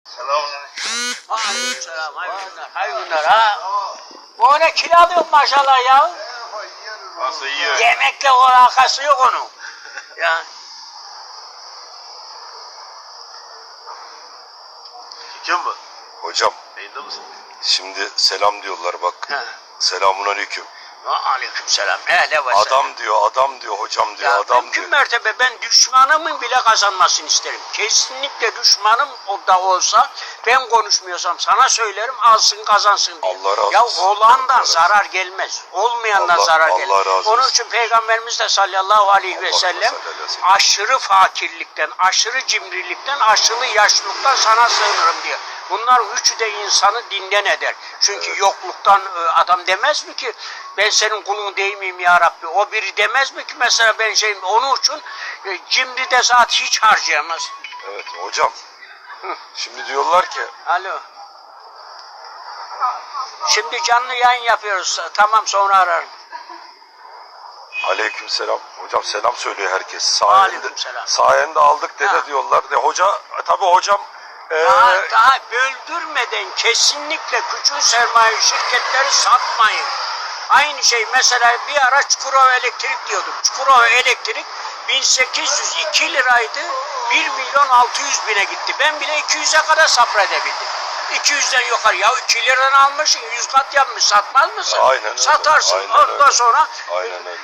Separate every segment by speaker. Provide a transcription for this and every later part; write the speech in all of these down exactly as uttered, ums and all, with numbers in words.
Speaker 1: Selamünaleyküm.
Speaker 2: Aleykümselam. Hayırlı günler. Hayırlı günler ha. Bu ne kilo alıyorsun maşallah ya.
Speaker 1: Nasıl yiyor?
Speaker 2: Yemekle o alakası yok onun. Ya.
Speaker 1: Kim bu?
Speaker 3: Hocam
Speaker 1: Yayında mısın?
Speaker 3: şimdi selam diyorlar bak.
Speaker 2: He.
Speaker 3: Selamun aleyküm.
Speaker 2: Aleykümselam. Hele ve
Speaker 3: Adam diyor, adam diyor, hocam diyor,
Speaker 2: Ya
Speaker 3: adam
Speaker 2: mümkün
Speaker 3: diyor.
Speaker 2: mertebe ben düşmanımın bile kazanmasını isterim. Kesinlikle düşmanım o da olsa ben konuşmuyorsam sana söylerim alsın kazansın diye.
Speaker 3: Allah razı
Speaker 2: ya
Speaker 3: olsun.
Speaker 2: olandan
Speaker 3: Allah razı
Speaker 2: zarar gelmez. Olmayandan
Speaker 3: Allah-
Speaker 2: zarar
Speaker 3: Allah
Speaker 2: gelir.
Speaker 3: razı
Speaker 2: Onun
Speaker 3: olsun.
Speaker 2: için Peygamberimiz de sallallahu aleyhi ve
Speaker 3: Allah
Speaker 2: sellem
Speaker 3: sallallahu aleyhi ve sellem.
Speaker 2: aşırı fakirlikten, aşırı cimrilikten, aşırı yaşlılıktan sana sığınırım diyor. Bunlar üçü de insanı dinden eder. Çünkü
Speaker 3: Evet.
Speaker 2: yokluktan e, adam demez mi ki ben senin kulun değil miyim ya Rabbi? O biri demez mi ki mesela ben şeyim onun için e, cimri de zat hiç harcayamaz.
Speaker 3: Evet hocam. Şimdi diyorlar ki
Speaker 2: Alo. Şimdi canlı yayın yapıyoruz. Tamam sonra ararım.
Speaker 3: aleyküm selam. Hocam selam söylüyor herkes. Sayende,
Speaker 2: Aleykümselam.
Speaker 3: sayende aldık dede
Speaker 2: Ha.
Speaker 3: diyorlar. De hoca tabi hocam e,
Speaker 2: Daha, daha böldürmeden kesinlikle küçük sermaye şirketleri satmayın. Aynı şey mesela bir ara Çukurova Elektrik diyordum. Çukurova Elektrik bin sekiz yüz iki liraydı. bir milyon altı yüz bine gitti. Ben bile iki yüze kadar sabredebildim. iki yüzden yukarı. Ya iki liradan almışsın yüz kat yapmış satmaz mısın?
Speaker 3: Aynen öyle.
Speaker 2: Satarsın.
Speaker 3: Aynen
Speaker 2: Ondan
Speaker 3: öyle.
Speaker 2: sonra
Speaker 3: aynen öyle.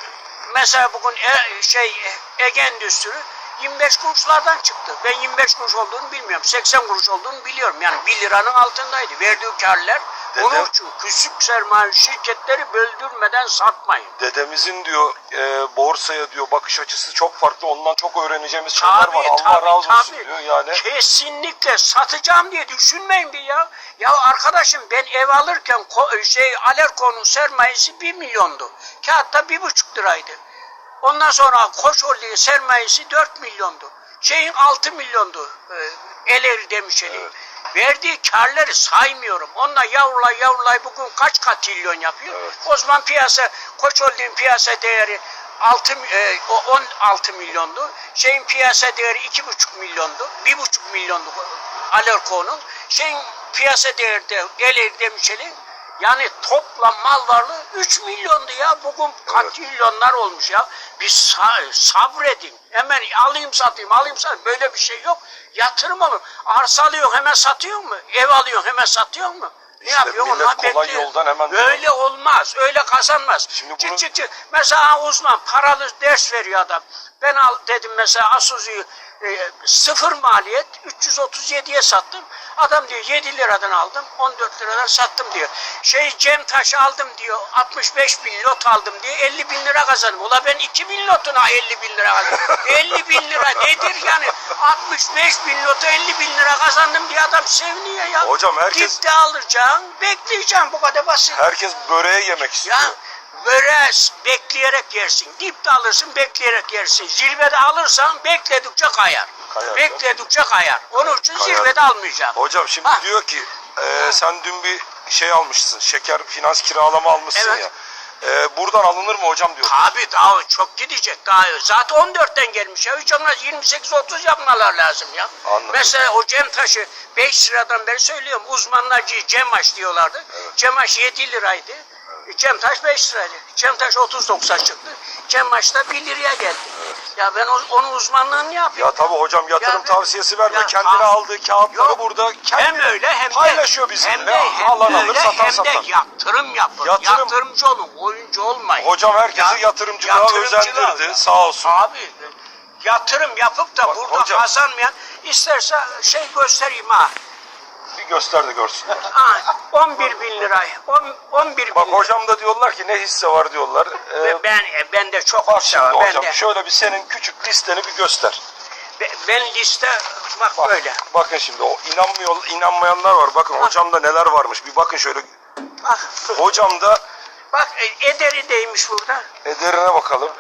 Speaker 2: mesela bugün e, şey Ege Endüstri yirmi beş kuruşlardan çıktı. Ben yirmi beş kuruş olduğunu bilmiyorum. seksen kuruş olduğunu biliyorum. Yani bir liranın altındaydı. Verdiği karlar.
Speaker 3: Dede-
Speaker 2: Onun için küçük sermaye şirketleri böldürmeden satmayın.
Speaker 3: Dedemizin diyor e, borsaya diyor bakış açısı çok farklı. Ondan çok öğreneceğimiz şeyler
Speaker 2: Tabii,
Speaker 3: var. Allah
Speaker 2: tabii,
Speaker 3: razı olsun
Speaker 2: tabii.
Speaker 3: diyor yani.
Speaker 2: Kesinlikle satacağım diye düşünmeyin bir ya. Ya arkadaşım ben ev alırken ko- şey Alerko'nun sermayesi bir milyondu. Kağıtta bir buçuk liraydı. Ondan sonra Koç Holding'in sermayesi dört milyondu. Şeyin altı milyondu. E, Eleri Demişeli.
Speaker 3: Evet.
Speaker 2: Verdiği karları saymıyorum. Onunla yavrulay yavrulay bugün kaç katrilyon yapıyor?
Speaker 3: Evet.
Speaker 2: O zaman piyasa, Koç Holding'in piyasa değeri altı, e, o on altı milyondu. Şeyin piyasa değeri iki buçuk milyondu. bir buçuk milyondu Alerko'nun. Şeyin piyasa değeri de Eleri Demişeli. Yani toplam mal varlığı üç milyondu ya. Bugün katrilyonlar olmuş ya. Bir sa- sabredin. Hemen alayım satayım alayım satayım. Böyle bir şey yok. Yatırım olur. Arsa alıyorsun hemen satıyor mu? Ev alıyorsun hemen satıyor mu? Ne
Speaker 3: İşte
Speaker 2: yapıyorsun?
Speaker 3: millet
Speaker 2: Onlar
Speaker 3: kolay
Speaker 2: bekliyor.
Speaker 3: yoldan hemen-
Speaker 2: Öyle olmaz. Öyle kazanmaz.
Speaker 3: Şimdi
Speaker 2: Çık
Speaker 3: bunu-
Speaker 2: çık çık. Mesela uzman paralı ders veriyor adam. Ben al dedim mesela Asuzu'yu e, sıfır maliyet üç yüz otuz yediye sattım. Adam diyor yedi liradan aldım on dört liradan sattım diyor. Şey Cem Taş aldım diyor altmış beş bin lot aldım diyor elli bin lira kazandım. Ula ben iki bin lotuna elli bin lira kazandım. elli bin lira nedir yani altmış beş bin lota elli bin lira kazandım diye adam seviniyor ya.
Speaker 3: Hocam herkes-
Speaker 2: Dipte alacaksın bekleyeceksin bu kadar basit.
Speaker 3: Herkes böreği yemek istiyor.
Speaker 2: Ya böreği bekleyerek yersin. Dipte alırsın bekleyerek yersin. Zirvede alırsan bekledikçe kayar.
Speaker 3: Kayar,
Speaker 2: bekledikçe kayar. Onun için
Speaker 3: Kayar.
Speaker 2: zirvede almayacaksın.
Speaker 3: Hocam şimdi
Speaker 2: Ha.
Speaker 3: diyor ki e, sen dün bir şey almışsın. Şeker finans kiralama almışsın
Speaker 2: Evet.
Speaker 3: ya. E, buradan alınır mı hocam diyor.
Speaker 2: Tabii daha çok gidecek daha. Zaten on dörtten gelmiş ya. Hiç olmaz yirmi sekiz otuz yapmalar lazım ya.
Speaker 3: Anladım.
Speaker 2: Mesela o Cem Taş'ı beş liradan beri söylüyorum. Uzmanlar Cemaş diyorlardı.
Speaker 3: Evet.
Speaker 2: Cemaş yedi liraydı. Cem Taş beş liraydı. Cem Taş otuz doksan çıktı. Cemaş da bir liraya geldi. Ya ben o- onun uzmanlığını yapayım.
Speaker 3: Ya tabii hocam yatırım
Speaker 2: Ya ben-
Speaker 3: tavsiyesi verme.
Speaker 2: Ya
Speaker 3: Kendine
Speaker 2: ta-
Speaker 3: aldığı kağıtları
Speaker 2: Yok.
Speaker 3: burada kendi
Speaker 2: Hem öyle hem de
Speaker 3: paylaşıyor bizimle.
Speaker 2: Hem de hem
Speaker 3: Alan alır,
Speaker 2: öyle,
Speaker 3: satan
Speaker 2: hem
Speaker 3: satan.
Speaker 2: de yatırım yapın.
Speaker 3: Yatırım-
Speaker 2: Yatırımcı olun, oyuncu olmayın.
Speaker 3: Hocam herkesi
Speaker 2: Ya-
Speaker 3: yatırımcılığa
Speaker 2: yatırımcılığa-
Speaker 3: özendirdi, sağ olsun.
Speaker 2: Abi yatırım yapıp da
Speaker 3: Bak,
Speaker 2: burada
Speaker 3: hocam-
Speaker 2: kazanmayan isterse şey göstereyim ha.
Speaker 3: Bir göster de görsünler.
Speaker 2: Ha, on bir bin lira. on- on bir bin
Speaker 3: Bak
Speaker 2: lira.
Speaker 3: hocam da diyorlar ki ne hisse var diyorlar. Ee,
Speaker 2: Ve ben e, ben de çok
Speaker 3: bak
Speaker 2: hisse
Speaker 3: şimdi
Speaker 2: var. Ben
Speaker 3: hocam
Speaker 2: de
Speaker 3: şöyle bir senin küçük listeni bir göster.
Speaker 2: be- ben liste bak,
Speaker 3: Bak,
Speaker 2: böyle.
Speaker 3: bakın şimdi o inanmıyor, inanmayanlar var. Bakın hocamda neler varmış. Bir bakın şöyle.
Speaker 2: Bak,
Speaker 3: Hocamda
Speaker 2: bak e, ederi değmiş burada.
Speaker 3: ederine bakalım.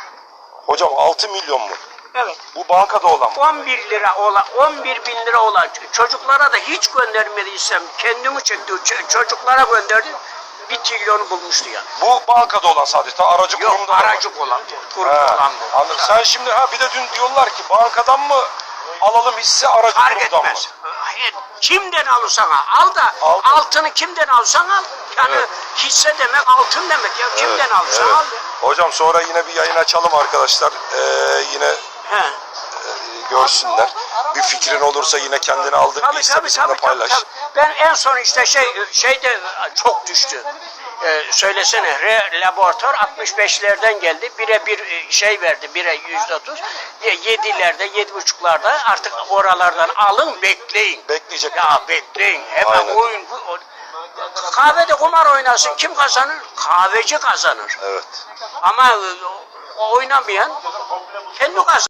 Speaker 3: Hocam altı milyon mu?
Speaker 2: Evet.
Speaker 3: Bu bankada olan mı?
Speaker 2: on bir lira olan, on bir bin lira olan çocuklara da hiç göndermediysem kendimi çekti. Ç- çocuklara gönderdim. Bir trilyonu bulmuştu yani.
Speaker 3: Bu bankada olan sadece. Ta aracı
Speaker 2: Yok
Speaker 3: kurumda da var.
Speaker 2: aracı olan, kurum
Speaker 3: He,
Speaker 2: olan bu.
Speaker 3: anladım. Sen şimdi ha bir de dün diyorlar ki bankadan mı alalım hisse aracı
Speaker 2: Fark
Speaker 3: kurumdan
Speaker 2: etmez.
Speaker 3: mı?
Speaker 2: e, kimden alırsan al, al da
Speaker 3: Altın.
Speaker 2: altını kimden alırsan al. Yani
Speaker 3: Evet.
Speaker 2: hisse demek altın demek ya. Kimden
Speaker 3: Evet,
Speaker 2: alırsan
Speaker 3: evet.
Speaker 2: al.
Speaker 3: Hocam sonra yine bir yayın açalım arkadaşlar. Ee, yine
Speaker 2: He.
Speaker 3: görsünler. Bir fikrin olursa yine kendini aldığın bir
Speaker 2: Tabii
Speaker 3: hisse
Speaker 2: tabii
Speaker 3: bizimle
Speaker 2: tabii,
Speaker 3: paylaş.
Speaker 2: tabii tabii. Ben en son işte şey şeyde çok düştü. Ee, söylesene re, laboratuvar altmış beşlerden geldi. Bire bir e, şey verdi. Bire yüzde otuz. Yedilerde, yedi buçuklarda artık oralardan alın bekleyin.
Speaker 3: Bekleyecek.
Speaker 2: Ya bekleyin. Hemen
Speaker 3: Aynen.
Speaker 2: oyun. Bu, o- kahvede kumar oynasın. Kim kazanır? Kahveci kazanır.
Speaker 3: Evet.
Speaker 2: Ama e, o- oynamayan kendi kazanır.